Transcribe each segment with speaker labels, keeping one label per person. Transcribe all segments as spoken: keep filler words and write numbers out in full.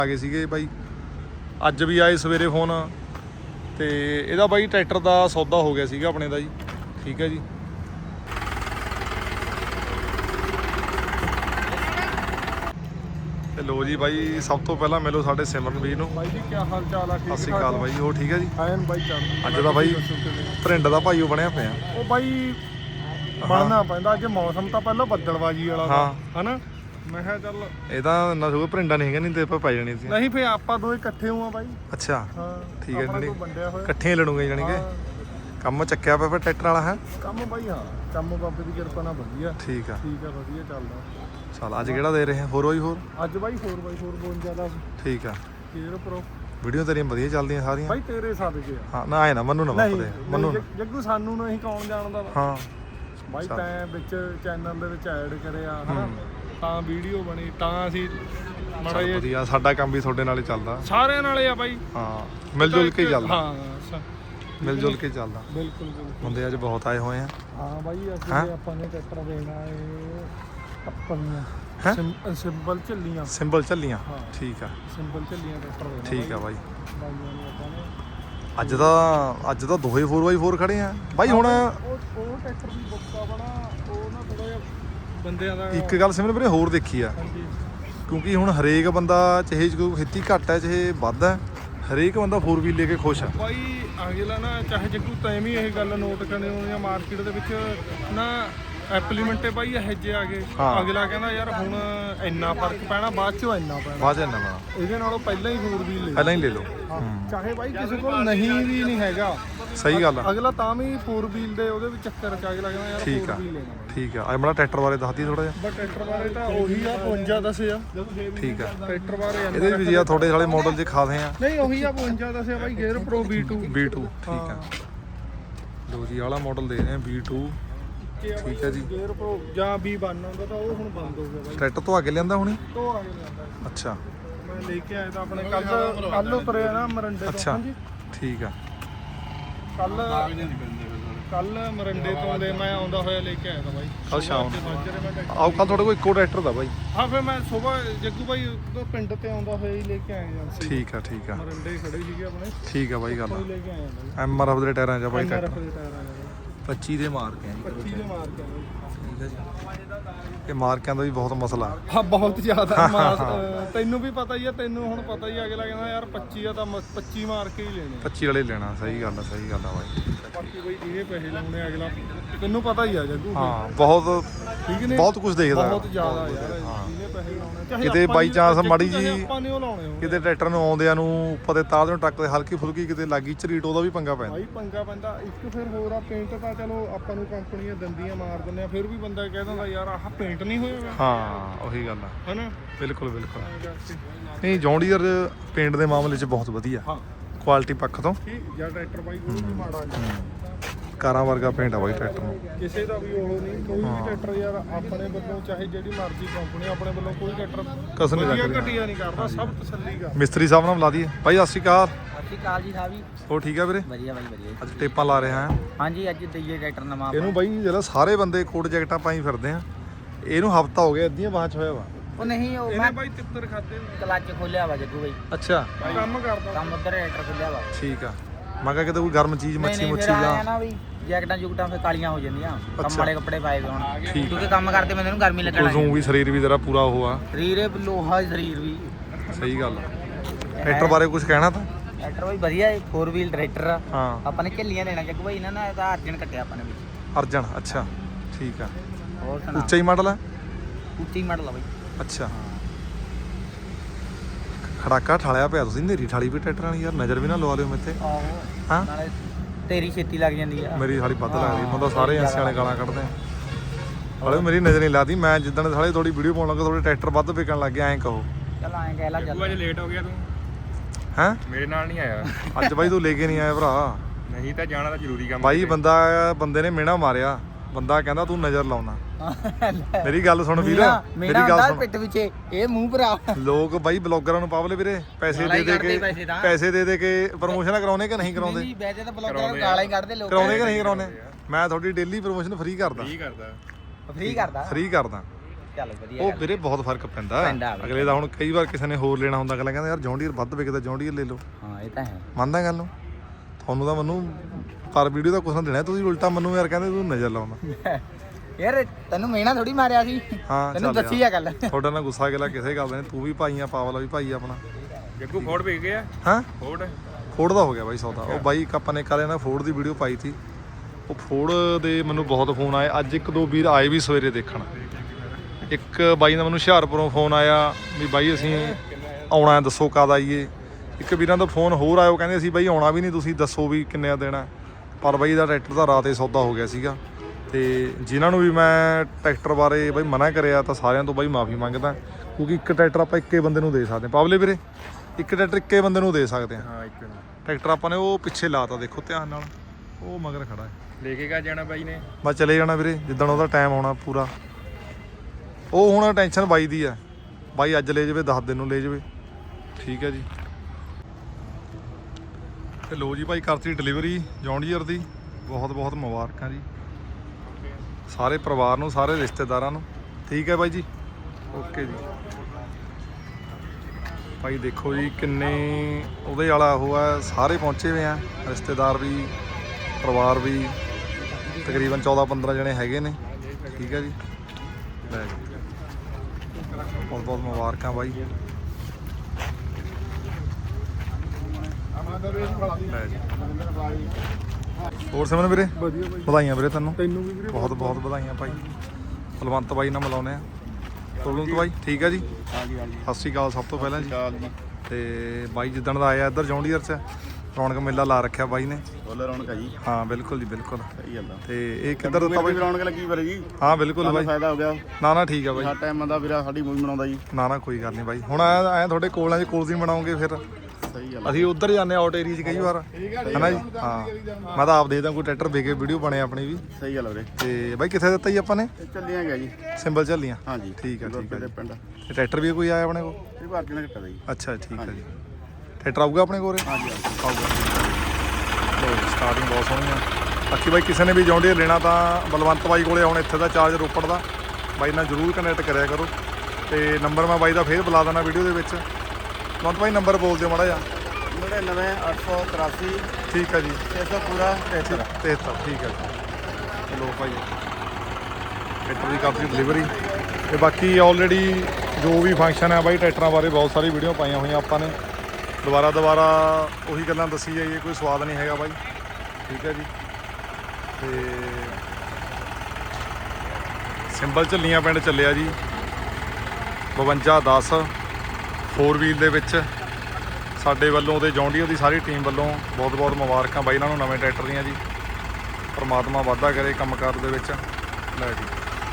Speaker 1: ਆ ਗਏ ਸੀਗੇ ਬਾਈ, ਅੱਜ ਵੀ ਆਏ ਸਵੇਰੇ ਫੋਨ। ਤੇ ਇਹਦਾ ਬਾਈ ਟਰੈਕਟਰ ਦਾ ਸੌਦਾ ਹੋ ਗਿਆ ਸੀਗਾ ਆਪਣੇ ਦਾ ਜੀ, ਠੀਕ ਹੈ ਜੀ। ਤੇ ਲੋ ਜੀ ਬਾਈ, ਸਭ ਤੋਂ ਪਹਿਲਾਂ ਮਿਲੋ ਸਾਡੇ ਸਿਮਰਨ ਵੀਰ ਨੂੰ।
Speaker 2: ਬਾਈ ਜੀ ਕੀ ਹਾਲ ਚਾਲ ਆ?
Speaker 1: ਸਤਿ ਸ਼੍ਰੀ ਅਕਾਲ ਬਾਈ, ਹੋਰ ਠੀਕ ਹੈ ਜੀ?
Speaker 2: ਐਨ ਬਾਈ ਚੱਲ।
Speaker 1: ਅੱਜ ਦਾ ਬਾਈ ਭਰਿੰਡ ਦਾ ਭਾਈ ਉਹ ਬਣਿਆ ਪਿਆ।
Speaker 2: ਉਹ ਬਾਈ ਬਣਨਾ ਪੈਂਦਾ, ਅੱਜ ਮੌਸਮ ਤਾਂ ਪਹਿਲਾਂ ਬੱਦਲਬਾਜੀ ਵਾਲਾ
Speaker 1: ਹਾਂ
Speaker 2: ਹਨਾ। ਮੈਂ ਕਿਹਾ ਚੱਲ
Speaker 1: ਇਹ ਤਾਂ ਨਾ ਸੋ ਭਰਿੰਡਾ ਨਹੀਂ ਹੈਗਾ, ਨਹੀਂ ਤੇ ਆਪਾਂ ਪੈ ਜਾਣੀ ਸੀ।
Speaker 2: ਨਹੀਂ ਫੇ ਆਪਾਂ ਦੋਵੇਂ ਇਕੱਠੇ ਹੋਆ ਬਾਈ।
Speaker 1: ਅੱਛਾ
Speaker 2: ਹਾਂ
Speaker 1: ਠੀਕ ਹੈ ਜੀ,
Speaker 2: ਵੰਡਿਆ ਹੋਇਆ
Speaker 1: ਇਕੱਠੇ ਲੜੂਗੇ ਜਾਣੀ ਕਿ ਕੰਮ ਚੱਕਿਆ ਪਿਆ ਫਿਰ ਟਰੈਕਟਰ ਵਾਲਾ ਹੈ
Speaker 2: ਕੰਮ ਬਾਈ। ਹਾਂ ਕੰਮ ਬਾਬੇ ਦੀ ਕਿਰਪਾ ਨਾਲ ਵਧੀਆ।
Speaker 1: ਠੀਕ ਆ
Speaker 2: ਠੀਕ ਆ ਵਧੀਆ ਚੱਲਦਾ।
Speaker 1: ਚੱਲ ਅੱਜ ਕਿਹੜਾ ਦੇ ਰਹੇ ਹੋਰ ਬਾਈ? ਹੋਰ
Speaker 2: ਅੱਜ ਬਾਈ ਫੋਰ ਬਾਈ ਫੋਰ ਬਵੰਜਾ ਦਾ
Speaker 1: ਠੀਕ ਆ।
Speaker 2: ਕੇਅਰ ਪ੍ਰੋ
Speaker 1: ਵੀਡੀਓ ਤੇਰੀਆਂ ਵਧੀਆ ਚੱਲਦੀਆਂ ਸਾਰੀਆਂ
Speaker 2: ਬਾਈ, ਤੇਰੇ ਸਦਕੇ ਆ।
Speaker 1: ਹਾਂ ਨਾ ਆਏ ਨਾ ਮੈਨੂੰ ਨਾ ਵਾਪਰੇ ਮੈਨੂੰ।
Speaker 2: ਜੱਗੂ ਸਾਨੂੰ ਨਹੀਂ ਕੌਣ ਜਾਣਦਾ
Speaker 1: ਹਾਂ
Speaker 2: ਬਾਈ, ਤੈਂ ਵਿੱਚ ਚੈਨਲ ਦੇ ਵਿੱਚ ਐਡ ਕਰਿਆ ਹਨਾ, ਤਾਂ ਵੀਡੀਓ ਬਣੀ, ਤਾਂ ਅਸੀਂ ਮਾੜਾ ਜਿਹਾ
Speaker 1: ਵਧੀਆ। ਸਾਡਾ ਕੰਮ ਵੀ ਤੁਹਾਡੇ ਨਾਲ ਹੀ ਚੱਲਦਾ,
Speaker 2: ਸਾਰਿਆਂ ਨਾਲੇ ਆ ਬਾਈ।
Speaker 1: ਹਾਂ ਮਿਲ ਜੁਲ ਕੇ ਹੀ ਚੱਲਦਾ।
Speaker 2: ਹਾਂ
Speaker 1: ਮਿਲ ਜੁਲ ਕੇ ਚੱਲਦਾ।
Speaker 2: ਬਿਲਕੁਲ ਬਿਲਕੁਲ।
Speaker 1: ਬੰਦੇ ਅੱਜ ਬਹੁਤ ਆਏ ਹੋਏ ਆ।
Speaker 2: ਹਾਂ ਬਾਈ ਅੱਜ ਆਪਾਂ ਨੇ ਟਰੈਕਟਰ ਦੇਣਾ ਏ ਆਪਣੀਆਂ ਸਿੰਬਲ ਝੱਲੀਆਂ।
Speaker 1: ਸਿੰਬਲ ਝੱਲੀਆਂ ਠੀਕ ਆ।
Speaker 2: ਸਿੰਬਲ ਝੱਲੀਆਂ ਟਰੈਕਟਰ ਦੇਣਾ
Speaker 1: ਠੀਕ ਆ ਬਾਈ।
Speaker 2: ਬਾਈਆਂ ਨੇ ਆਪਾਂ ਨੇ
Speaker 1: ਅੱਜ ਤਾਂ ਅੱਜ ਤਾਂ ਦੋਹੇ ਫੋਰ ਬਾਈ ਫੋਰ ਖੜੇ ਆ ਬਾਈ। ਹੁਣ
Speaker 2: ਉਹ ਉਹ ਟਰੈਕਟਰ ਦੀ ਬੁੱਕਾ ਬਣਾ, ਉਹ ਨਾ ਥੋੜਾ ਜਿਹਾ ਬੰਦਿਆਂ ਦਾ
Speaker 1: ਇੱਕ ਗੱਲ ਸਿਮਰਨ ਵੀਰੇ ਹੋਰ ਦੇਖੀ ਆ, ਕਿਉਂਕਿ ਹੁਣ ਹਰੇਕ ਬੰਦਾ ਚਾਹੇ ਕੋਈ ਖੇਤੀ ਘੱਟ ਹੈ ਚਾਹੇ ਵੱਧ ਹੈ, ਹਰੇਕ ਬੰਦਾ ਫੋਰ ਵੀਲ ਲੈ ਕੇ ਖੁਸ਼ ਆ
Speaker 2: ਬਾਈ। ਅਗਲਾ ਨਾ ਚਾਹੇ ਜੱਗੂ ਤੈਂ ਵੀ ਇਹ ਗੱਲ ਨੋਟ ਕਰਨੀ ਹੋਣੀ ਆ, ਮਾਰਕੀਟ ਦੇ ਵਿੱਚ ਨਾ ਐਪਲੀਮੈਂਟੇ ਬਾਈ ਇਹੋ ਜਿਹੇ ਆ ਗਏ। ਅਗਲਾ ਕਹਿੰਦਾ ਯਾਰ ਹੁਣ ਇੰਨਾ ਫਰਕ ਪੈਣਾ, ਬਾਅਦ ਚੋਂ ਇੰਨਾ ਪੈਣਾ,
Speaker 1: ਬਾਅਦ ਚ ਇੰਨਾ ਪੈਣਾ,
Speaker 2: ਇਹਦੇ ਨਾਲੋਂ ਪਹਿਲਾਂ ਹੀ ਫੋਰ ਵੀਲ ਲੈ
Speaker 1: ਪਹਿਲਾਂ ਹੀ ਲੈ ਲਓ।
Speaker 2: ਚਾਹੇ ਬਾਈ ਕਿਸੇ ਕੋਲ ਨਹੀਂ ਵੀ ਨਹੀਂ ਹੈਗਾ,
Speaker 1: ਸਹੀ ਗੱਲ ਆ।
Speaker 2: ਅਗਲਾ ਤਾਂ ਵੀ ਫੋਰ ਵੀਲ ਦੇ ਉਹਦੇ ਵਿੱਚ ਚੱਕਰ ਚ ਅਗਲਾ ਕਹਿੰਦਾ ਯਾਰ
Speaker 1: ਠੀਕ ਆ
Speaker 2: ਫੋਰ ਵੀਲ ਲੈਣਾ।
Speaker 1: ਠੀਕ ਆ। ਅੱਜ ਬੜਾ ਟਰੈਕਟਰ ਬਾਰੇ ਦੱਸਦੀ ਥੋੜਾ ਜਿਹਾ।
Speaker 2: ਬਟ ਟਰੈਕਟਰ ਬਾਰੇ ਤਾਂ ਉਹੀ ਆ ਬਵੰਜਾ ਦੱਸਿਆ।
Speaker 1: ਠੀਕ ਆ।
Speaker 2: ਟਰੈਕਟਰ ਬਾਰੇ
Speaker 1: ਇਹਦੇ ਵੀ ਜੀ ਆ ਤੁਹਾਡੇ ਵਾਲੇ ਮਾਡਲ 'ਚ ਖਾਦੇ ਆ।
Speaker 2: ਨਹੀਂ ਉਹੀ ਆ ਬਵੰਜਾ ਦੱਸਿਆ ਬਾਈ, gear pro B two.
Speaker 1: B two ਠੀਕ ਆ। ਲੋ ਜੀ ਆਲਾ ਮਾਡਲ ਦੇ ਰਹੇ ਆ ਬੀ ਟੂ, ਠੀਕ ਹੈ ਜੀ।
Speaker 2: ਗੇਅਰ ਪ੍ਰੋ ਜਾਂ ਬੀ ਵਨ ਆਉਂਦਾ ਤਾਂ ਉਹ ਹੁਣ ਬੰਦ ਹੋ ਗਿਆ ਬਾਈ।
Speaker 1: ਟਰੈਕਟਰ ਤੋਂ ਅੱਗੇ ਲਿਆਂਦਾ ਹੁਣੀ?
Speaker 2: ਤੋਂ ਆ ਕੇ ਲਿਆਂਦਾ
Speaker 1: ਅੱਛਾ
Speaker 2: ਮੈਂ ਲੈ ਕੇ ਆਇਆ ਤਾਂ ਆਪਣੇ ਕੱਲ ਕੱਲ ਉਤਰਿਆ ਨਾ ਮਰੰਡੇ ਤੋਂ।
Speaker 1: ਅੱਛਾ ਠੀਕ ਆ।
Speaker 2: ਕੱਲ ਕੱਲ ਮਰੰਡੇ ਤੋਂ ਦੇ ਮੈਂ ਆਉਂਦਾ ਹੋਇਆ ਲੈ ਕੇ ਆਇਆ ਤਾਂ ਬਾਈ।
Speaker 1: ਕੱਲ ਸ਼ਾਮ ਨੂੰ ਆਓ। ਕੱਲ ਤੁਹਾਡੇ ਕੋਲ ਇੱਕੋ ਟਰੈਕਟਰ ਦਾ ਬਾਈ?
Speaker 2: ਹਾਂ ਫਿਰ ਮੈਂ ਸਵੇਰ ਜੱਗੂ ਬਾਈ ਉਹ ਪਿੰਡ ਤੇ ਆਉਂਦਾ ਹੋਇਆ ਹੀ ਲੈ ਕੇ ਆਇਆ ਜਾਂ
Speaker 1: ਠੀਕ ਆ। ਠੀਕ ਆ
Speaker 2: ਮਰੰਡੇ ਖੜੇ ਸੀਗੇ ਆਪਣੇ।
Speaker 1: ਠੀਕ ਆ ਬਾਈ। ਗੱਲ
Speaker 2: ਲੈ ਕੇ ਆਇਆ ਬਾਈ
Speaker 1: ਐਮ ਆਰ ਐਫ ਦੇ ਟਾਇਰਾਂ 'ਚ ਬਾਈ ਟਰੈਕਟਰ
Speaker 2: ਟਾਇਰਾਂ
Speaker 1: ਪੱਚੀ ਦੇ ਮਾਰ ਕੇ ਆਏ।
Speaker 2: ਪੱਚੀ ਦੇ ਮਾਰ ਕੇ ਆਏ।
Speaker 1: ਠੀਕ ਹੈ ਜੀ। ਇਹ ਮਾਰਕਿਆਂ ਦਾ ਵੀ ਬਹੁਤ ਮਸਲਾ।
Speaker 2: ਹਾਂ ਬਹੁਤ ਜ਼ਿਆਦਾ ਮਾਸ। ਤੈਨੂੰ ਵੀ ਪਤਾ ਹੀ ਆ, ਤੈਨੂੰ ਹੁਣ ਪਤਾ ਹੀ ਅਗਲਾ ਕਹਿੰਦਾ ਯਾਰ ਪੱਚੀ ਆ ਤਾਂ ਪੱਚੀ ਮਾਰ ਕੇ ਹੀ ਲੈਣੇ।
Speaker 1: ਪੱਚੀ ਵਾਲੇ ਲੈਣਾ। ਸਹੀ ਗੱਲ ਆ, ਸਹੀ ਗੱਲ ਆ ਬਾਈ।
Speaker 2: ਬਾਕੀ ਬਈ ਜਿਹਨੇ ਪੈਸੇ ਲਾਉਣੇ ਅਗਲਾ ਤੈਨੂੰ ਪਤਾ ਹੀ ਆ ਜੱਗੂ।
Speaker 1: ਹਾਂ ਬਹੁਤ
Speaker 2: ਠੀਕ ਨੇ,
Speaker 1: ਬਹੁਤ ਕੁਝ ਦੇਖਦਾ
Speaker 2: ਬਹੁਤ ਜ਼ਿਆਦਾ ਯਾਰ ਜਿਹਨੇ ਪੈਸੇ ਲਾਉਣੇ। ਚਾਹੇ
Speaker 1: ਕਿਤੇ ਬਾਈ ਚਾਂਸ ਮਾੜੀ ਜੀ
Speaker 2: ਆਪਾਂ ਨੇ ਉਹ ਲਾਉਣੇ ਹੋਣ,
Speaker 1: ਕਿਤੇ ਟਰੈਕਟਰ ਨੂੰ ਆਉਂਦਿਆਂ ਨੂੰ ਉੱਪਰ ਦੇ ਤਾਰ ਦੇ ਟਰੱਕ ਦੇ ਹਲਕੀ ਫੁਲਕੀ ਕਿਤੇ ਲੱਗੀ ਝਰੀਟ, ਉਹਦਾ ਵੀ ਪੰਗਾ ਪੈਂਦਾ
Speaker 2: ਬਾਈ। ਪੰਗਾ ਪੈਂਦਾ ਇੱਕ। ਫਿਰ ਹੋਰ ਆ ਪੇਂਟ ਤਾਂ ਚਲੋ ਆਪਾਂ ਨੂੰ ਕੰਪਨੀਆਂ ਦੰਦੀਆਂ ਮਾਰ ਦਿੰਦੇ ਆ, ਫਿਰ ਵੀ ਬੰਦਾ ਕਹਿ ਦਿੰਦਾ ਯਾਰ ਆਹ ਪੇਂਟ ਨਹੀਂ ਹੋਇਆ।
Speaker 1: ਹਾਂ ਉਹੀ ਗੱਲ ਆ
Speaker 2: ਹਨਾ।
Speaker 1: ਬਿਲਕੁਲ ਬਿਲਕੁਲ। ਨਹੀਂ ਜੌਂਡੀਅਰ ਪੇਂਟ ਦੇ ਮਾਮਲੇ 'ਚ ਬਹੁਤ ਵਧੀਆ,
Speaker 2: ਹਾਂ
Speaker 1: ਕੁਆਲਿਟੀ ਪੱਖ ਤੋਂ।
Speaker 2: ਠੀਕ ਜਾਂ ਟਰੈਕਟਰ ਬਾਈ ਕੋਈ ਵੀ ਮਾੜਾ ਨਹੀਂ,
Speaker 1: ਕਾਰਾਂ ਵਰਗਾ ਪੇਂਟ ਆ ਬਾਈ ਟਰੈਕਟਰ ਨੂੰ।
Speaker 2: ਕਿਸੇ ਦਾ ਵੀ ਉਹ ਨਹੀਂ। ਕੋਈ ਵੀ ਟਰੈਕਟਰ ਯਾਰ ਆਪਣੇ ਵੱਲੋਂ ਚਾਹੇ ਜਿਹੜੀ ਮਰਜ਼ੀ ਕੰਪਨੀ, ਆਪਣੇ ਵੱਲੋਂ ਕੋਈ ਟਰੈਕਟਰ
Speaker 1: ਕਸਰ ਨਹੀਂ
Speaker 2: ਵਧੀਆ
Speaker 1: ਲੱਗਦੀ।
Speaker 2: ਘਟੀਆ ਨਹੀਂ ਕਰਦਾ, ਸਭ ਤਸੱਲੀ ਕਰ।
Speaker 1: ਮਿਸਤਰੀ ਸਾਹਿਬ ਨਾਲ ਮਿਲਾ ਦਈਏ ਬਾਈ। ਸਤਿ ਸ਼੍ਰੀ ਅਕਾਲ।
Speaker 3: ਸਤਿ ਸ਼੍ਰੀ ਅਕਾਲ ਜੀ ਸਾਹਿਬ ਜੀ।
Speaker 1: ਹੋਰ ਠੀਕ ਆ ਵੀਰੇ?
Speaker 3: ਵਧੀਆ ਬਾਈ ਵਧੀਆ।
Speaker 1: ਅੱਜ ਟੇਪਾਂ ਲਾ ਰਹੇ ਹਾਂ।
Speaker 3: ਹਾਂਜੀ ਅੱਜ ਦਈਏ ਟਰੈਕਟਰ ਨਵਾਂ।
Speaker 1: ਇਹਨੂੰ ਬਾਈ ਜਿਹੜਾ ਸਾਰੇ ਬੰਦੇ ਕੋਟ ਜੈਕਟਾਂ ਪਾਈ ਫਿਰਦੇ ਆ, ਇਹਨੂੰ ਹਫਤਾ ਹੋ ਗਿਆ ਅੱਧੀਆਂ ਬਾਹਾਂ 'ਚ ਹੋਇਆ ਵਾ।
Speaker 3: ਉਹ ਨਹੀਂ ਉਹ
Speaker 2: ਇਹਨੇ
Speaker 3: ਮੈਂ
Speaker 2: ਬਾਈ ਤਿੱਤਰ ਖਾਦੇ
Speaker 3: ਕਲੱਚ ਖੋਲਿਆ ਵਾ ਜੱਗੂ ਬਾਈ।
Speaker 1: ਅੱਛਾ
Speaker 2: ਕੰਮ ਕਰਦਾ।
Speaker 3: ਕੰਮ ਉਧਰ ਟਰੈਕਟਰ ਖੋਲਿਆ ਵਾ।
Speaker 1: ਠੀਕ ਆ। ਮੈਂ ਕਿਹਾ ਕਿਤੇ ਕੋਈ ਗਰਮ ਚੀਜ਼ ਮੱਛੀ ਮੁੱਛੀ ਜਾਂ
Speaker 3: ਨਾ ਵੀ ਜੈਕਟਾਂ ਜੁਕਟਾਂ ਫੇ ਕਾਲੀਆਂ ਹੋ ਜਾਂਦੀਆਂ। ਕੰਮ ਵਾਲੇ ਕੱਪੜੇ ਪਾਏ ਵੇ ਹੁਣ,
Speaker 1: ਠੀਕ
Speaker 3: ਕਿਉਂਕਿ ਕੰਮ ਕਰਦੇ ਬੰਦੇ ਨੂੰ ਗਰਮੀ ਲੱਗਣ ਲੱਗ
Speaker 1: ਕੋਈ ਵੀ ਸਰੀਰ ਵੀ ਜਰਾ ਪੂਰਾ ਉਹ ਆ।
Speaker 3: ਸਰੀਰ ਲੋਹਾ ਸਰੀਰ ਵੀ।
Speaker 1: ਸਹੀ ਗੱਲ ਆ। ਟਰੈਕਟਰ ਬਾਰੇ ਕੁਝ ਕਹਿਣਾ ਤਾਂ?
Speaker 3: ਟਰੈਕਟਰ ਬਾਈ ਵਧੀਆ ਹੈ, ਫੋਰ ਵੀਲ ਟਰੈਕਟਰ ਆ।
Speaker 1: ਹਾਂ
Speaker 3: ਆਪਾਂ ਨੇ ਝੱਲੀਆਂ ਲੈਣਾ ਜੱਗੂ ਬਾਈ। ਇਹਨਾਂ ਨੇ ਇਹਦਾ ਅਰਜਨ ਕੱਟਿਆ ਆਪਾਂ ਨੇ ਵਿੱਚ।
Speaker 1: ਅਰਜਨ ਅੱਛਾ ਠੀਕ ਆ।
Speaker 3: ਹੋਰ ਸੁਣਾ।
Speaker 1: ਉੱਚਾ ਹੀ ਮਾਡਲ ਆ?
Speaker 3: ਉੱਚੀ ਮਾਡਲ ਆ ਬਾਈ।
Speaker 1: ਅੱਛਾ ਖੜਾਕਾ ਠਾਲਿਆ ਪਿਆ ਤੁਸੀਂ। ਨੇਰੀ ਠਾਲੀ ਵੀ ਟਰੈਕਟਰ ਵਾਲੀ ਯਾਰ, ਨਜ਼ਰ ਵੀ ਨਾ ਲਵਾ ਲਿਓ ਮੇਤੇ।
Speaker 3: ਆਹੋ
Speaker 1: ਹਾਂ
Speaker 3: ਨਾਲੇ ਤੇਰੀ ਛੇਤੀ ਲੱਗ ਜਾਂਦੀ ਆ।
Speaker 1: ਮੇਰੀ ਸਾਲੀ ਵੱਧ ਲੱਗਦੀ, ਮੈਨੂੰ ਤਾਂ ਸਾਰੇ ਐਸੇ ਵਾਲੇ ਗਾਲਾਂ ਕੱਢਦੇ ਆ। ਹਲੇ ਮੇਰੀ ਨਜ਼ਰ ਨਹੀਂ ਲੱਗਦੀ। ਮੈਂ ਜਿੱਦਣ ਸਾਲੇ ਥੋੜੀ ਵੀਡੀਓ ਪਾਉਣ ਲੱਗਾ ਥੋੜੇ ਟਰੈਕਟਰ ਵੱਧ ਵਿਕਣ ਲੱਗ ਗਏ ਐਂ ਕਹੋ।
Speaker 3: ਚੱਲ ਐਂ ਕਹਿ ਲਾ ਚੱਲ।
Speaker 2: ਅੱਜ ਲੇਟ ਹੋ ਗਿਆ ਤੂੰ।
Speaker 1: ਹੈਂ
Speaker 2: ਮੇਰੇ ਨਾਲ ਨਹੀਂ ਆਇਆ
Speaker 1: ਅੱਜ ਬਾਈ ਤੂੰ ਲੈ ਕੇ ਨਹੀਂ ਆਇਆ ਭਰਾ?
Speaker 2: ਨਹੀਂ ਤਾਂ ਜਾਣਾ ਤਾਂ ਜ਼ਰੂਰੀ ਕੰਮ
Speaker 1: ਬਾਈ ਬੰਦਾ ਬੰਦੇ ਨੇ ਮਿਹਣਾ ਮਾਰਿਆ, ਬੰਦਾ ਕਹਿੰਦਾ ਤੂੰ ਨਜ਼ਰ ਲਾਉਣਾ। ਮੇਰੀ ਗੱਲ ਸੁਣ ਵੀਰ, ਮੇਰੀ ਗੱਲ ਸੁਣ।
Speaker 3: ਪਿੱਠ ਵਿੱਚ ਇਹ ਮੂੰਹ ਭਰਾ
Speaker 1: ਲੋਕ ਬਾਈ ਬਲੌਗਰਾਂ ਨੂੰ ਪਾਵਲੇ ਵੀਰੇ ਪੈਸੇ ਦੇ ਦੇ ਕੇ ਪੈਸੇ ਦੇ ਦੇ ਕੇ ਪ੍ਰਮੋਸ਼ਨ ਕਰਾਉਣੇ ਕਿ ਨਹੀਂ ਕਰਾਉਂਦੇ?
Speaker 3: ਨਹੀਂ ਵੈਸੇ ਤਾਂ ਬਲੌਗਰਾਂ ਨੂੰ ਗਾਲਾਂ ਹੀ ਕੱਢਦੇ ਲੋਕ।
Speaker 1: ਕਰਾਉਣੇ ਕਿ ਨਹੀਂ ਕਰਾਉਣੇ? ਮੈਂ ਤੁਹਾਡੀ ਡੇਲੀ ਪ੍ਰਮੋਸ਼ਨ ਫ੍ਰੀ ਕਰਦਾ।
Speaker 2: ਕੀ ਕਰਦਾ?
Speaker 3: ਫ੍ਰੀ ਕਰਦਾ
Speaker 1: ਫ੍ਰੀ ਕਰਦਾ।
Speaker 3: ਚੱਲ ਵਧੀਆ
Speaker 1: ਉਹ
Speaker 3: ਗੱਲ।
Speaker 1: ਵੀਰੇ ਬਹੁਤ ਫਰਕ ਪੈਂਦਾ
Speaker 3: ਪੈਂਦਾ ਬਈ।
Speaker 1: ਅਗਲੇ ਦਾ ਹੁਣ ਕਈ ਵਾਰ ਕਿਸੇ ਨੇ ਹੋਰ ਲੈਣਾ ਹੁੰਦਾ ਅਗਲਾ ਕਹਿੰਦਾ ਯਾਰ ਜੌਂਡੀਅਰ ਵੱਧ ਵਿਕਦਾ ਜੌਂਡੀਅਰ ਲੈ ਲਓ
Speaker 3: ਹਾਂ ਇਹ ਤਾਂ ਹੈ।
Speaker 1: ਮੰਨਦਾ ਗੱਲ ਨੂੰ ਤੁਹਾਨੂੰ ਤਾਂ ਮੈਨੂੰ ਪਰ ਵੀਡੀਓ ਦਾ ਕੁਛ ਨਾ ਦੇਣਾ ਤੁਸੀਂ ਉਲਟਾ ਮੈਨੂੰ ਯਾਰ ਕਹਿੰਦੇ ਤੂੰ ਨਜ਼ਰ ਲਾਉਂਦਾ
Speaker 3: ਯਾਰ ਤੈਨੂੰ ਮਹੀਨਾ ਥੋੜੀ ਮਾਰਿਆ ਸੀ
Speaker 1: ਹਾਂ
Speaker 3: ਤੈਨੂੰ
Speaker 1: ਚੱਲ
Speaker 3: ਦੱਸੀ ਆ ਗੱਲ।
Speaker 1: ਤੁਹਾਡਾ ਨਾਲ ਗੁੱਸਾ ਗਿਲਾ ਕਿਸੇ ਗੱਲ ਦਾ ਨਹੀਂ ਤੂੰ ਵੀ ਭਾਈ ਆ ਪਾਵਲਾ ਵੀ ਭਾਈ ਆ ਆਪਣਾ
Speaker 2: ਜੱਗੂ ਫੋੜ ਵਿਕ ਗਿਆ
Speaker 1: ਹਾਂ
Speaker 2: ਫੋੜ
Speaker 1: ਫੋੜ ਦਾ ਹੋ ਗਿਆ ਬਾਈ ਸੌਦਾ ਉਹ ਬਾਈ ਇੱਕ ਆਪਾਂ ਨੇ ਕੱਲ੍ਹ ਨਾ ਫੋੜ ਦੀ ਵੀਡੀਓ ਪਾਈ ਸੀ ਉਹ ਫੋੜ ਦੇ ਮੈਨੂੰ ਬਹੁਤ ਫੋਨ ਆਏ ਅੱਜ ਇੱਕ ਦੋ ਵੀਰ ਆਏ ਵੀ ਸਵੇਰੇ ਦੇਖਣ ਇੱਕ ਬਾਈ ਦਾ ਮੈਨੂੰ ਹੁਸ਼ਿਆਰਪੁਰੋਂ ਫੋਨ ਆਇਆ ਵੀ ਬਾਈ ਅਸੀਂ ਆਉਣਾ ਹੈ ਦੱਸੋ ਕਦ ਆਈਏ ਇੱਕ ਵੀਰਾਂ ਦਾ ਫੋਨ ਹੋਰ ਆਇਆ ਉਹ ਕਹਿੰਦੇ ਅਸੀਂ ਬਾਈ ਆਉਣਾ ਵੀ ਨਹੀਂ ਤੁਸੀਂ ਦੱਸੋ ਵੀ ਕਿੰਨੇ ਦੇਣਾ ਪਰ ਬਾਈ ਦਾ ਟਰੈਕਟਰ ਦਾ ਰਾਤ ਹੀ ਸੌਦਾ ਹੋ ਗਿਆ ਸੀਗਾ ਤੇ ਜਿਨ੍ਹਾਂ ਨੂੰ ਵੀ ਮੈਂ ਟਰੈਕਟਰ ਬਾਰੇ ਬਾਈ ਮਨਾ ਕਰਿਆ ਤਾਂ ਸਾਰਿਆਂ ਤੋਂ ਬਾਈ ਮਾਫੀ ਮੰਗਦਾ ਕਿਉਂਕਿ ਇੱਕ ਟਰੈਕਟਰ ਆਪਾਂ ਇੱਕੇ ਬੰਦੇ ਨੂੰ ਦੇ ਸਕਦੇ ਹਾਂ ਪਾਵਲੇ ਵੀਰੇ ਇੱਕ ਟਰੈਕਟਰ ਇੱਕੇ ਬੰਦੇ ਨੂੰ ਦੇ ਸਕਦੇ ਹਾਂ
Speaker 2: ਹਾਂ ਇੱਕ
Speaker 1: ਟਰੈਕਟਰ ਆਪਾਂ ਨੇ ਉਹ ਪਿੱਛੇ ਲਾਤਾ ਦੇਖੋ ਧਿਆਨ ਨਾਲ ਉਹ ਮਗਰ ਖੜਾ ਹੈ
Speaker 2: ਲੈ ਕੇ ਕਾ ਜਾਣਾ ਬਾਈ ਨੇ
Speaker 1: ਬਸ ਚਲੇ ਜਾਣਾ ਵੀਰੇ ਜਿੱਦਣ ਉਹਦਾ ਟਾਈਮ ਆਉਣਾ ਪੂਰਾ ਉਹ ਹੁਣ ਟੈਨਸ਼ਨ ਬਾਈ ਦੀ ਆ ਬਾਈ ਅੱਜ ਲੈ ਜਾਵੇ ਦਸ ਦਿਨ ਨੂੰ ਲੈ ਜਾਵੇ ਠੀਕ ਹੈ ਜੀ ਤੇ ਲੋ ਜੀ ਭਾਈ ਕਰਤੀ ਡਿਲੀਵਰੀ ਜੌਂਡੀਅਰ ਦੀ ਬਹੁਤ ਬਹੁਤ ਮੁਬਾਰਕਾਂ ਜੀ ਸਾਰੇ ਪਰਿਵਾਰ ਨੂੰ ਸਾਰੇ ਰਿਸ਼ਤੇਦਾਰਾਂ ਨੂੰ ਠੀਕ ਹੈ ਬਾਈ ਜੀ ਓਕੇ ਜੀ ਭਾਈ ਦੇਖੋ ਜੀ ਕਿੰਨੇ ਉਹਦੇ ਵਾਲਾ ਉਹ ਆ ਸਾਰੇ ਪਹੁੰਚੇ ਹੋਏ ਆ ਰਿਸ਼ਤੇਦਾਰ ਵੀ ਪਰਿਵਾਰ ਵੀ ਤਕਰੀਬਨ ਚੌਦਾਂ ਪੰਦਰਾਂ ਜਣੇ ਹੈਗੇ ਨੇ ਠੀਕ ਹੈ ਜੀ ਲੈ ਜੀ ਬਹੁਤ ਬਹੁਤ ਮੁਬਾਰਕਾਂ ਬਾਈ ਲੈ ਜੀ ਹੋਰ ਸਿਮਰਨ ਵੀਰੇ ਵਧਾਈਆਂ ਵੀਰੇ ਤੈਨੂੰ
Speaker 2: ਤੈਨੂੰ ਵੀ ਵੀਰੇ
Speaker 1: ਬਹੁਤ ਬਹੁਤ ਵਧਾਈਆਂ ਭਾਈ ਬਲਵੰਤ ਬਾਈ ਨਾਲ ਮਿਲਾਉਂਦੇ ਆ ਬਲਵੰਤ ਬਾਈ ਠੀਕ ਹੈ ਜੀ
Speaker 2: ਹਾਂਜੀ ਹਾਂਜੀ
Speaker 1: ਸਤਿ ਸ਼੍ਰੀ ਅਕਾਲ ਸਭ ਤੋਂ ਪਹਿਲਾਂ ਜੀ
Speaker 2: ਚਾਲ ਜੀ
Speaker 1: ਤੇ ਬਾਈ ਜਿੱਦਣ ਦਾ ਆਇਆ ਇੱਧਰ ਜੌਂਡੀਅਰ 'ਚ ਰੌਣਕ ਮੇਲਾ ਲਾ ਰੱਖਿਆ ਬਾਈ ਨੇ
Speaker 4: ਬੋਲੇ ਰੌਣਕ ਆ ਜੀ
Speaker 1: ਹਾਂ ਬਿਲਕੁਲ ਜੀ ਬਿਲਕੁਲ
Speaker 4: ਸਹੀ ਗੱਲ ਆ
Speaker 1: ਤੇ ਇਹ ਕਿੱਧਰ ਦਿੱਤਾ ਬਾਈ
Speaker 4: ਰੌਣਕ ਲੱਗੀ ਵੀਰੇ ਜੀ
Speaker 1: ਹਾਂ ਬਿਲਕੁਲ ਬਾਈ
Speaker 4: ਫਾਇਦਾ ਹੋ ਗਿਆ
Speaker 1: ਨਾ ਨਾ ਠੀਕ ਆ ਬਾਈ
Speaker 4: ਹਰ ਟਾਈਮ ਦਾ ਵੀਰਾ ਸਾਡੀ ਮੂਵੀ ਬਣਾਉਂਦਾ ਜੀ
Speaker 1: ਨਾ ਨਾ ਕੋਈ ਗੱਲ ਨਹੀਂ ਬਾਈ ਹੁਣ ਆਇਆ ਆਇਆ ਤੁਹਾਡੇ ਕੋਲਾਂ 'ਚ ਕੋਲਸ ਨਹੀਂ ਬਣਾਉਂਗੇ ਫਿਰ
Speaker 4: ਸਹੀ ਗੱਲ
Speaker 1: ਅਸੀਂ ਉੱਧਰ ਜਾਂਦੇ ਆਊਟ ਏਰੀਆ 'ਚ ਕਈ ਵਾਰ ਹੈਨਾ ਜੀ ਹਾਂ ਮੈਂ ਤਾਂ ਆਪ ਦੇਖਦਾ ਕੋਈ ਟਰੈਕਟਰ ਵਿਕੇ ਵੀਡੀਓ ਬਣੇ ਆਪਣੀ ਵੀ
Speaker 4: ਸਹੀ ਗੱਲ ਵੀਰੇ
Speaker 1: ਤੇ ਬਾਈ ਕਿੱਥੇ ਦਿੱਤਾ ਜੀ ਆਪਾਂ ਨੇ
Speaker 4: ਇਹ ਚੱਲੀਆਂ ਗਿਆ ਜੀ
Speaker 1: ਸਿੰਬਲ ਝੱਲੀਆਂ
Speaker 4: ਹਾਂਜੀ
Speaker 1: ਠੀਕ ਆ ਠੀਕ ਆ
Speaker 4: ਦੇ
Speaker 1: ਜੀ
Speaker 4: ਪਿੰਡ
Speaker 1: ਤੇ ਟਰੈਕਟਰ ਵੀ ਕੋਈ ਆਇਆ ਆਪਣੇ ਕੋਲ
Speaker 4: ਇਹ ਭਾਰਤੀ ਨਾਲ ਘਟਦਾ ਜੀ
Speaker 1: ਅੱਛਾ ਠੀਕ ਆ ਜੀ ਟਰੈਕਟਰ ਆਊਗਾ ਆਪਣੇ ਕੋਲ
Speaker 4: ਹਾਂਜੀ
Speaker 1: ਆਊਗਾ ਲੋ ਸਟਾਰਟਿੰਗ ਬਹੁਤ ਸੋਹਣੀ ਆ ਬਾਕੀ ਬਾਈ ਕਿਸੇ ਨੇ ਵੀ ਜੌਂਡੀਅਰ ਲੈਣਾ ਤਾਂ ਬਲਵੰਤ ਬਾਈ ਕੋਲੇ ਹੁਣ ਇੱਥੇ ਦਾ ਚਾਰਜ ਰੋਪੜ ਦਾ ਬਾਈ ਨਾਲ ਜ਼ਰੂਰ ਕਨੈਕਟ ਕਰਿਆ ਕਰੋ ਤੇ ਨੰਬਰ ਮੈਂ ਬਾਈ ਦਾ ਫੇਰ ਬੁਲਾ ਦੇਣਾ ਵੀਡੀਓ ਦੇ ਵਿੱਚ ਬਲਵੰਤ ਬਾਈ ਨੰਬਰ ਬੋਲ ਦਿਓ ਮਾੜਾ ਜਿਹਾ
Speaker 4: ਨੜਿਨਵੇਂ ਅੱਠ ਸੌ ਤਰਾਸੀ
Speaker 1: ਠੀਕ ਹੈ ਜੀ
Speaker 4: ਛੇ ਸੌ ਪੂਰਾ ਤੇਹੱਤਰ
Speaker 1: ਤੇਹੱਤਰ ਠੀਕ ਹੈ ਜੀ ਚਲੋ ਭਾਈ ਟਰੈਕਟਰ ਦੀ ਕਾਫੀ ਡਿਲੀਵਰੀ ਤੇ ਬਾਕੀ ਆਲਰੇਡੀ ਜੋ ਵੀ ਫੰਕਸ਼ਨ ਹੈ ਬਾਈ ਟਰੈਕਟਰਾਂ ਬਾਰੇ ਬਹੁਤ ਸਾਰੀ ਵੀਡੀਓ ਪਾਈਆਂ ਹੋਈਆਂ ਆਪਾਂ ਨੇ ਦੁਬਾਰਾ ਦੁਬਾਰਾ ਉਹੀ ਗੱਲਾਂ ਦੱਸੀ ਜਾਈਏ ਕੋਈ ਸਵਾਦ ਨਹੀਂ ਹੈਗਾ ਬਾਈ ਠੀਕ ਹੈ ਜੀ ਤੇ ਸਿੰਬਲ ਝੱਲੀਆਂ ਪਿੰਡ ਚੱਲਿਆ ਜੀ ਬਵੰਜਾ ਦਸ ਫੋਰ ਵੀਲ ਦੇ ਵਿੱਚ ਸਾਡੇ ਵੱਲੋਂ ਤੇ ਜੌਂਡੀਅਰ ਦੀ ਸਾਰੀ ਟੀਮ ਵੱਲੋਂ ਬਹੁਤ ਬਹੁਤ ਮੁਬਾਰਕਾਂ ਬਾਈ ਇਹਨਾਂ ਨੂੰ ਨਵੇਂ ਟਰੈਕਟਰ ਦੀਆਂ ਜੀ ਪਰਮਾਤਮਾ ਵਾਧਾ ਕਰੇ ਕੰਮਕਾਰ ਦੇ ਵਿੱਚ ਲੈ ਜੀ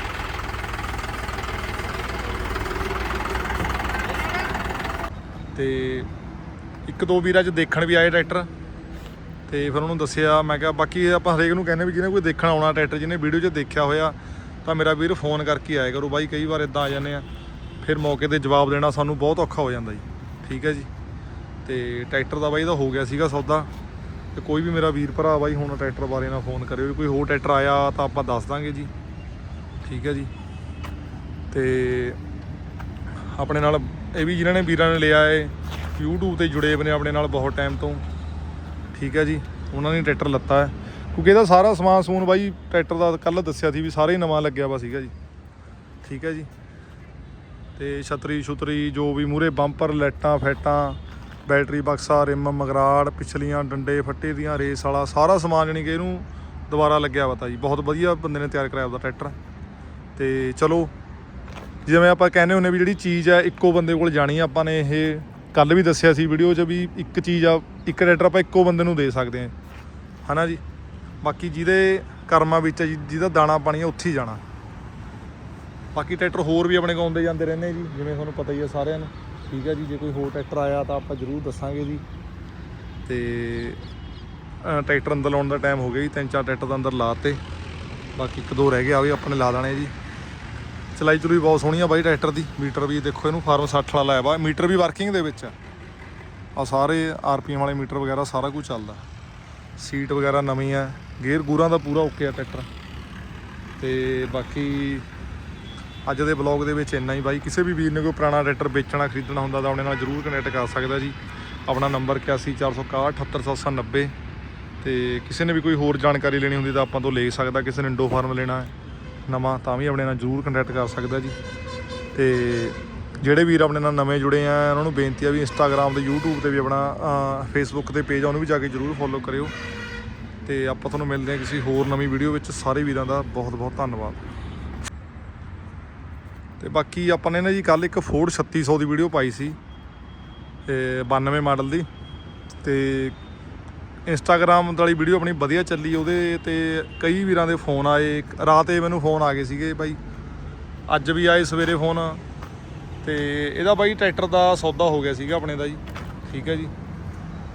Speaker 1: ਤੇ ਇੱਕ ਦੋ ਵੀਰ ਅੱਜ ਦੇਖਣ ਵੀ ਆਏ ਟਰੈਕਟਰ ਤੇ ਫਿਰ ਉਹਨੂੰ ਦੱਸਿਆ ਮੈਂ ਕਿਹਾ ਬਾਕੀ ਆਪਾਂ ਹਰੇਕ ਨੂੰ ਕਹਿੰਦੇ ਵੀ ਜਿਹਨੇ ਕੋਈ ਦੇਖਣ ਆਉਣਾ ਟਰੈਕਟਰ ਜਿਹਨੇ ਵੀਡੀਓ 'ਚ ਦੇਖਿਆ ਹੋਇਆ ਤਾਂ ਮੇਰਾ ਵੀਰ ਫੋਨ ਕਰਕੇ ਆਇਆ ਕਰੋ ਬਾਈ ਕਈ ਵਾਰ ਇਦਾਂ ਆ ਜਾਂਦੇ ਆ ਫਿਰ ਮੌਕੇ 'ਤੇ ਜਵਾਬ ਦੇਣਾ ਸਾਨੂੰ ਬਹੁਤ ਔਖਾ ਹੋ ਜਾਂਦਾ ਜੀ ਠੀਕ ਹੈ ਜੀ ਤੇ ਟਰੈਕਟਰ ਦਾ ਬਾਈ ਦਾ ਹੋ ਗਿਆ ਸੀਗਾ ਸੌਦਾ ਤੇ ਕੋਈ ਵੀ ਮੇਰਾ ਵੀਰ ਭਰਾ ਬਾਈ ਹੁਣ ਟਰੈਕਟਰ ਬਾਰੇ ਨਾ ਫੋਨ ਕਰਿਓ ਕੋਈ ਹੋਰ ਟਰੈਕਟਰ ਆਇਆ ਤਾਂ ਆਪਾਂ ਦੱਸ ਦਾਂਗੇ ਜੀ ਠੀਕ ਹੈ ਜੀ ਤੇ ਆਪਣੇ ਨਾਲ ਇਹ ਵੀ ਜਿਨ੍ਹਾਂ ਨੇ ਵੀਰਾਂ ਨੇ ਲਿਆ ਏ YouTube ਤੇ ਜੁੜੇ ਹੋਏ ਨੇ ਆਪਣੇ ਨਾਲ ਬਹੁਤ ਟਾਈਮ ਤੋਂ ਠੀਕ ਹੈ ਜੀ ਉਹਨਾਂ ਨੇ ਟਰੈਕਟਰ ਲੱਤਾ ਹੈ ਕਿਉਂਕਿ ਇਹਦਾ ਸਾਰਾ ਸਮਾਨ ਸਮੂਨ ਬਾਈ ਟਰੈਕਟਰ ਦਾ ਕੱਲ੍ਹ ਦੱਸਿਆ ਸੀ ਵੀ ਸਾਰੇ ਹੀ ਨਵਾਂ ਲੱਗਿਆ ਵਾ ਸੀਗਾ ਜੀ ਠੀਕ ਹੈ ਜੀ ਤੇ ਛਤਰੀ ਛੁਤਰੀ ਜੋ ਵੀ ਮੂਹਰੇ ਬੰਪਰ ਲਾਈਟਾਂ ਫੈਟਾਂ ਬੈਟਰੀ ਬਕਸਾ ਰਿਮ ਮਗਰਾੜ ਪਿਛਲੀਆਂ ਡੰਡੇ ਫੱਟੇ ਦੀਆਂ ਰੇਸ ਵਾਲਾ ਸਾਰਾ ਸਮਾਨ ਜਾਣੀ ਕਿ ਇਹਨੂੰ ਦੁਬਾਰਾ ਲੱਗਿਆ ਵਾ ਤਾਂ ਜੀ ਬਹੁਤ ਵਧੀਆ ਬੰਦੇ ਨੇ ਤਿਆਰ ਕਰਾਇਆ ਉਹਦਾ ਟਰੈਕਟਰ ਤੇ ਚਲੋ ਜਿਵੇਂ ਆਪਾਂ ਕਹਿੰਦੇ ਹੁੰਦੇ ਵੀ ਜਿਹੜੀ ਚੀਜ਼ ਹੈ ਇੱਕੋ ਬੰਦੇ ਕੋਲ ਜਾਣੀ ਆ ਆਪਾਂ ਨੇ ਇਹ ਕੱਲ੍ਹ ਵੀ ਦੱਸਿਆ ਸੀ ਵੀਡੀਓ 'ਚ ਵੀ ਇੱਕ ਚੀਜ਼ ਆ ਇੱਕ ਟਰੈਕਟਰ ਆਪਾਂ ਇੱਕੋ ਬੰਦੇ ਨੂੰ ਦੇ ਸਕਦੇ ਹਾਂ ਹੈ ਨਾ ਜੀ ਬਾਕੀ ਜਿਹਦੇ ਕਰਮਾਂ ਵਿੱਚ ਜਿਹਦਾ ਦਾਣਾ ਪਾਣੀ ਆ ਉੱਥੇ ਹੀ ਜਾਣਾ ਬਾਕੀ ਟਰੈਕਟਰ ਹੋਰ ਵੀ ਆਪਣੇ ਕੋਲ ਆਉਂਦੇ ਜਾਂਦੇ ਰਹਿੰਦੇ ਜੀ ਜਿਵੇਂ ਤੁਹਾਨੂੰ ਪਤਾ ਹੀ ਆ ਸਾਰਿਆਂ ਨੂੰ ਠੀਕ ਹੈ ਜੀ ਜੇ ਕੋਈ ਹੋਰ ਟਰੈਕਟਰ ਆਇਆ ਤਾਂ ਆਪਾਂ ਜ਼ਰੂਰ ਦੱਸਾਂਗੇ ਜੀ ਤੇ ਟਰੈਕਟਰ ਅੰਦਰ ਲਾਉਣ ਦਾ ਟਾਈਮ ਹੋ ਗਿਆ ਜੀ ਤਿੰਨ ਚਾਰ ਟਰੈਕਟਰ ਦਾ ਅੰਦਰ ਲਾਤੇ ਬਾਕੀ ਇੱਕ ਦੋ ਰਹਿ ਗਏ ਆ ਵੀ ਆਪਾਂ ਨੇ ਲਾ ਦੇਣੇ ਜੀ ਚਲਾਈ ਚਲੂਈ ਬਹੁਤ ਸੋਹਣੀ ਆ ਬਾਈ ਟਰੈਕਟਰ ਦੀ ਮੀਟਰ ਵੀ ਦੇਖੋ ਇਹਨੂੰ ਫਾਰਮ ਸੱਠ ਵਾਲਾ ਲਾਇਆ ਵਾ ਮੀਟਰ ਵੀ ਵਰਕਿੰਗ ਦੇ ਵਿੱਚ ਆ ਸਾਰੇ ਆਰ ਪੀ ਐਮ ਵਾਲੇ ਮੀਟਰ ਵਗੈਰਾ ਸਾਰਾ ਕੁਝ ਚੱਲਦਾ ਸੀਟ ਵਗੈਰਾ ਨਵੀਂ ਆ ਗੇਅਰ ਗੂਰਾਂ ਦਾ ਪੂਰਾ ਓਕੇ ਆ ਟਰੈਕਟਰ ਤੇ ਬਾਕੀ ਅੱਜ ਦੇ ਬਲੌਗ ਦੇ ਵਿੱਚ ਇੰਨਾ ਹੀ ਬਾਈ। ਕਿਸੇ ਵੀ ਵੀਰ ਨੇ ਕੋਈ ਪੁਰਾਣਾ ਟਰੈਕਟਰ ਵੇਚਣਾ ਖਰੀਦਣਾ ਹੁੰਦਾ ਤਾਂ ਆਪਣੇ ਨਾਲ ਜ਼ਰੂਰ ਕਨੈਕਟ ਕਰ ਸਕਦਾ ਜੀ। ਆਪਣਾ ਨੰਬਰ ਇਕਾਸੀ ਚਾਰ ਸੌ ਇਕਾਹਠ ਅਠੱਤਰ ਸੱਤ ਸੌ ਨੱਬੇ। ਤੇ ਕਿਸੇ ਨੇ ਵੀ ਕੋਈ ਹੋਰ ਜਾਣਕਾਰੀ ਲੈਣੀ ਹੁੰਦੀ ਤਾਂ ਆਪਾਂ ਤੋਂ ਲੈ ਸਕਦਾ। ਕਿਸੇ ਨੇ ਇੰਡੋ ਫਾਰਮ ਲੈਣਾ ਨਵਾਂ ਤਾਂ ਵੀ ਆਪਣੇ ਨਾਲ ਜ਼ਰੂਰ ਕੰਟੈਕਟ ਕਰ ਸਕਦਾ ਜੀ। ਤੇ ਜਿਹੜੇ ਵੀਰ ਆਪਣੇ ਨਾਲ ਨਵੇਂ ਜੁੜੇ ਆ ਉਹਨਾਂ ਨੂੰ ਬੇਨਤੀ ਆ ਵੀ ਇੰਸਟਾਗ੍ਰਾਮ ਤੇ ਯੂਟਿਊਬ ਤੇ ਵੀ ਆਪਣਾ ਫੇਸਬੁੱਕ ਤੇ ਪੇਜ ਆ ਉਹਨੂੰ ਵੀ ਜਾ ਕੇ ਜ਼ਰੂਰ ਫੋਲੋ ਕਰਿਓ। ਤੇ ਆਪਾਂ ਤੁਹਾਨੂੰ ਮਿਲਦੇ ਹਾਂ ਕਿਸੇ ਹੋਰ ਨਵੀਂ ਵੀਡੀਓ ਵਿੱਚ। ਸਾਰੇ ਵੀਰਾਂ ਦਾ ਬਹੁਤ ਬਹੁਤ ਧੰਨਵਾਦ। ਤੇ ਬਾਕੀ ਆਪਾਂ ਨੇ ਨਾ ਜੀ ਕੱਲ੍ਹ ਇੱਕ ਫੋਰਡ ਛੱਤੀ ਸੌ ਦੀ ਵੀਡੀਓ ਪਾਈ ਸੀ ਬਾਨਵੇਂ ਮਾਡਲ ਦੀ। ਤੇ ਇੰਸਟਾਗ੍ਰਾਮ ਵਾਲੀ ਵੀਡੀਓ ਆਪਣੀ ਵਧੀਆ ਚੱਲੀ। ਉਹਦੇ ਤੇ ਕਈ ਵੀਰਾਂ ਦੇ ਫੋਨ ਆਏ। ਰਾਤ ਇਹ ਮੈਨੂੰ ਫੋਨ ਆ ਗਏ ਸੀਗੇ ਬਾਈ, ਅੱਜ ਵੀ ਆਏ ਸਵੇਰੇ ਫੋਨ। ਤੇ ਇਹਦਾ ਬਾਈ ਟਰੈਕਟਰ ਦਾ ਸੌਦਾ ਹੋ ਗਿਆ ਸੀਗਾ ਆਪਣੇ ਦਾ ਜੀ। ਠੀਕ ਹੈ ਜੀ।